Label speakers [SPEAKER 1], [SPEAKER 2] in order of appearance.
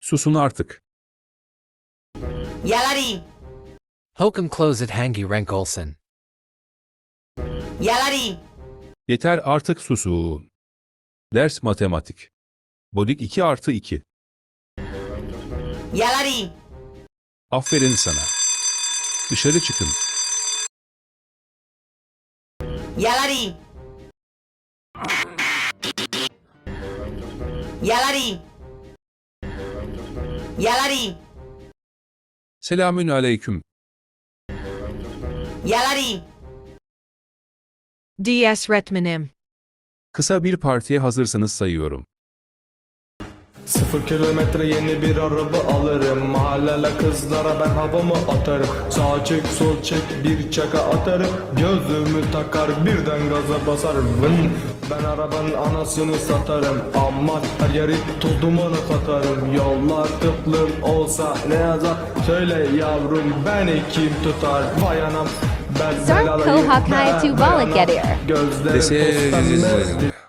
[SPEAKER 1] Susun artık.
[SPEAKER 2] Yalari.
[SPEAKER 3] Hokum closet hangi renk olsun.
[SPEAKER 2] Yalari.
[SPEAKER 1] Yeter artık susun. Ders matematik. Bodik 2 artı 2.
[SPEAKER 2] Yalari.
[SPEAKER 1] Aferin sana. Dışarı çıkın.
[SPEAKER 2] Yalari. Yalari. Yalari.
[SPEAKER 1] Selamün aleyküm.
[SPEAKER 2] Yalari.
[SPEAKER 4] DS Retmenim.
[SPEAKER 1] Kısa bir partiye hazırsanız sayıyorum.
[SPEAKER 5] 0 kilometre yeni bir araba alırım. Mahallele kızlara ben havamı atarım. Sağ çek sol çek bir çaka atarım. Gözümü takar birden gaza basarım. Ben arabanın anasını satarım. Aman her yeri toz dumanı katarım. Yollar tıklım olsa ne yazar? Söyle yavrum beni kim tutar? Vay anam ben
[SPEAKER 6] Sarko
[SPEAKER 5] belalıyım.
[SPEAKER 6] Hakaya
[SPEAKER 5] Ben
[SPEAKER 6] Tuvalı
[SPEAKER 5] anam.
[SPEAKER 6] geliyor.
[SPEAKER 5] Gözlerim toz pembe.